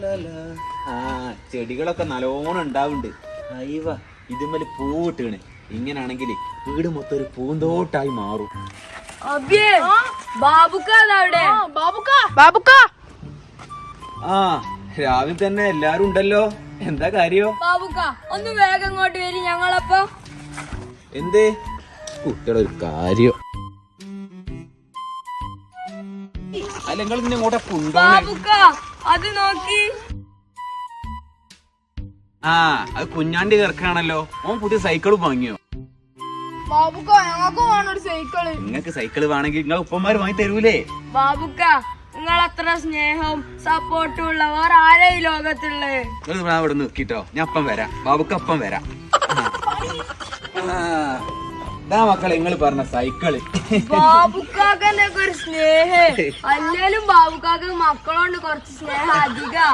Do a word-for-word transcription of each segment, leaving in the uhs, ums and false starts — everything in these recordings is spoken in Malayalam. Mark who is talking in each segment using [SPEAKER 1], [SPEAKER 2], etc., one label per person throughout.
[SPEAKER 1] ആ ചെടികളൊക്കെ നല്ലോണം ഉണ്ടാവുന്നുണ്ട്. അയ്യവ ഇതുമ്മല് പൂവിട്ടാണ്. ഇങ്ങനാണെങ്കിൽ വീട് മൊത്തം ഒരു പൂന്തോട്ടായി മാറും. ആ രാവിലെ തന്നെ എല്ലാരും ഉണ്ടല്ലോ. എന്താ കാര്യോ?
[SPEAKER 2] ഒന്ന് വേഗം ഇങ്ങോട്ട് വരും. ഞങ്ങളപ്പോ
[SPEAKER 1] എന്തേ കുട്ടിയുടെ ഒരു കാര്യം അല്ല നിങ്ങൾ ഇന്നെ ഇങ്ങോട്ടെ
[SPEAKER 2] അത് നോക്കി.
[SPEAKER 1] ആ അത് കുഞ്ഞാണ്ടി കിടക്കാണല്ലോ. ഓൻ പുതിയ സൈക്കിള് വാങ്ങിയോ? നിങ്ങക്ക് സൈക്കിള് വേണമെങ്കിൽ നിങ്ങൾ ഉപ്പന്മാര് വാങ്ങി തരൂലേ?
[SPEAKER 2] ബാബുക്ക നിങ്ങൾ അത്ര സ്നേഹവും സപ്പോർട്ടും ഉള്ളവർ ആരാ ഈ ലോകത്തുള്ളേ?
[SPEAKER 1] നിങ്ങൾ ഇവിടെ നിൽക്കിട്ടോ, ഞാൻ അപ്പം വരാം. ബാബുക്ക അപ്പം വരാം. ഇതാ മക്കളെ നിങ്ങൾ പറഞ്ഞ സൈക്കിള്.
[SPEAKER 2] ബാബുക്കാക്കന്റെ ഒരു സ്നേഹം അല്ലേലും ബാബുക്കാക്ക് മക്കളോണ്ട് കുറച്ച് സ്നേഹം അധികം.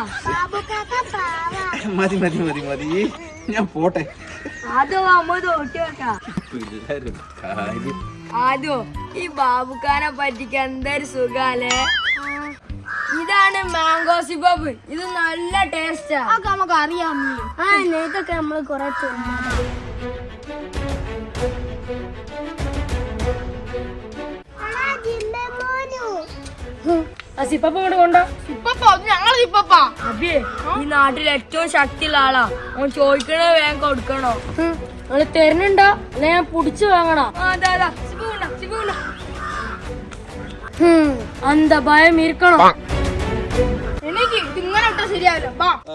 [SPEAKER 1] മതി മതി മതി മതി ഞാൻ പോട്ടെ.
[SPEAKER 2] അതോ അമ്മ തോട്ടി വെക്കാം. അതോ ഈ ബാബുക്കാനെ പറ്റിക്ക് എന്തൊരു സുഖാലേ. ഇതാണ് മാംഗോ സിബബ്. ഇത് നല്ല ടേസ്റ്റാ. നമുക്ക് അറിയാം. ആ ഇതൊക്കെ നമ്മള് കൊറേ ഈ നാട്ടിൽ ഏറ്റവും ശക്തിയുള്ള ആളാ. ഓൻ ചോദിക്കണേ വേഗം കൊടുക്കണോ? നിങ്ങൾ തരുന്നുണ്ടോ അല്ലെ ഞാൻ പുടിച്ചു വാങ്ങണോ? അന്ത ഭയം ഇരിക്കണോ? എനിക്ക് ഇങ്ങനെ ഇട്ടാ ശരിയാവില്ല.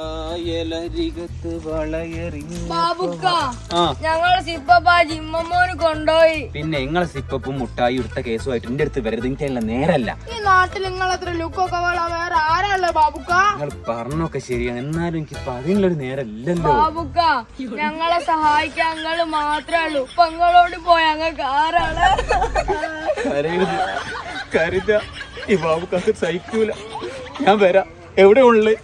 [SPEAKER 2] ബാബുക്ക ഞങ്ങള് സിപ്പപ്പ ജിമ്മോന് കൊണ്ടുപോയി.
[SPEAKER 1] പിന്നെ നിങ്ങളെ സിപ്പപ്പും മുട്ടായി എടുത്ത കേസുമായിട്ട് എന്റെ അടുത്ത് വരരുത്. എനിക്കല്ല നേരല്ല.
[SPEAKER 2] ഈ നാട്ടിൽ നിങ്ങളത്ര ലുക്കൊക്കെ വേറെ ആരാളെ ബാബുക്ക?
[SPEAKER 1] നിങ്ങൾ പറഞ്ഞൊക്കെ ശരിയാണ്, എന്നാലും എനിക്ക് അതിനുള്ളൊരു നേരല്ലല്ലോ.
[SPEAKER 2] ബാബുക്ക ഞങ്ങളെ സഹായിക്കാൻ ഞങ്ങള് മാത്രമേ ഉള്ളൂ. ഇപ്പൊ നിങ്ങളോട് പോയ ഞങ്ങൾക്ക് ആരാണ്?
[SPEAKER 1] കരയുത് കരുത. ഈ ബാബുക്കാക്ക് സഹിക്കൂല. ഞാൻ വരാം. എവിടെ ഉള്ളു?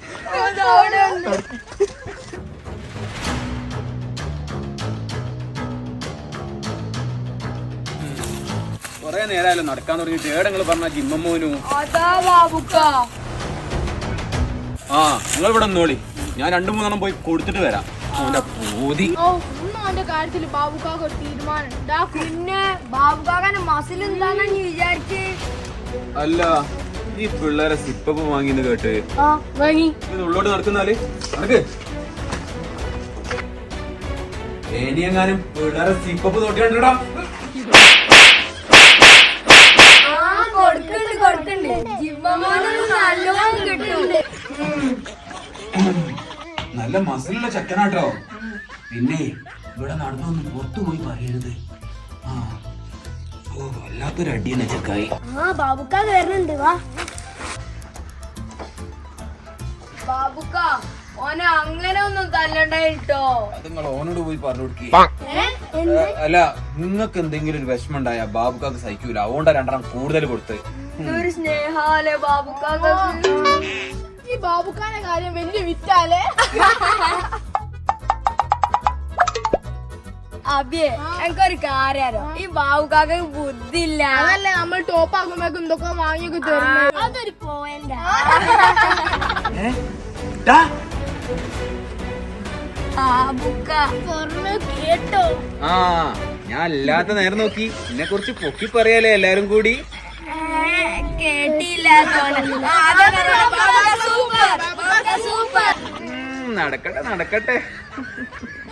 [SPEAKER 1] കൊറേ നേരമല്ലോ നടക്കാൻ തുടങ്ങിട്ട്. ഏടെങ്ങൾ പറഞ്ഞ ജിമ്മോനു. ആ നിങ്ങൾ ഇവിടെ നോളി. ഞാൻ രണ്ടു മൂന്നെണ്ണം പോയി കൊടുത്തിട്ട് വരാം. അവന്റെ പൂതി
[SPEAKER 2] കാര്യത്തില് ബാബുക്കാക്ക് ഒരു തീരുമാനം. പിന്നെ ബാബുക്കാക്കന്റെ മസിൽ എന്താന്ന് വിചാരിച്ച്?
[SPEAKER 1] അല്ല ഈ പിള്ളേരെ സിപ്പപ്പ് വാങ്ങിന്ന് കേട്ട് ഉള്ളോട്ട് നടക്കുന്നാല് നടക്ക്. ഏനിയെങ്ങാനും പിള്ളേരെ സിപ്പപ്പ് തൊട്ടിട്ടാ. നല്ല മസിലുള്ള ചക്കനാട്ടോ. പിന്നെ ഇവിടെ നടന്നൊന്നും പുറത്തു പോയി പറയരുത്. ആ ഓ വല്ലാത്തൊരു അടിയെന്ന ചക്കായി.
[SPEAKER 2] ആ ബാബുക്ക വരുന്നുണ്ട്. വാ ബാബുക്ക ഓനെ അങ്ങനെ ഒന്നും തല്ലണ്ടായിട്ടോ.
[SPEAKER 1] അത് നിങ്ങൾ ഓനോട് പോയി പറഞ്ഞു കൊടുക്കി. അല്ല നിങ്ങൾക്ക് എന്തെങ്കിലും ഒരു വിഷമം ഉണ്ടായ ബാബുക്കാക്ക് സഹിക്കൂല. അതുകൊണ്ടാ രണ്ടെണ്ണം കൂടുതൽ കൊടുത്ത്.
[SPEAKER 2] ഒരു സ്നേഹാലേ ബാബുക്കാക്ക്. ഈ ബാബുക്കാന്റെ കാര്യം വലിയ വിറ്റാലേ. അബിയെ എനിക്കൊരു കാര്യോ, ഈ ബാബുക്കാക്ക് ബുദ്ധി ഇല്ല. അതല്ലേ നമ്മൾ ടോപ്പ് ആകുമ്പോഴേക്കും എന്തൊക്കെ വാങ്ങിയൊക്കെ തരുന്നത്. അതൊരു പോയിന്റാ. കേട്ടോ?
[SPEAKER 1] ആ ഞാൻ അല്ലാത്ത നേരം നോക്കി എന്നെ കുറിച്ച് പൊക്കി പറയാലേ എല്ലാരും കൂടി.
[SPEAKER 2] കേട്ടില്ല.
[SPEAKER 1] നടക്കട്ടെ നടക്കട്ടെ.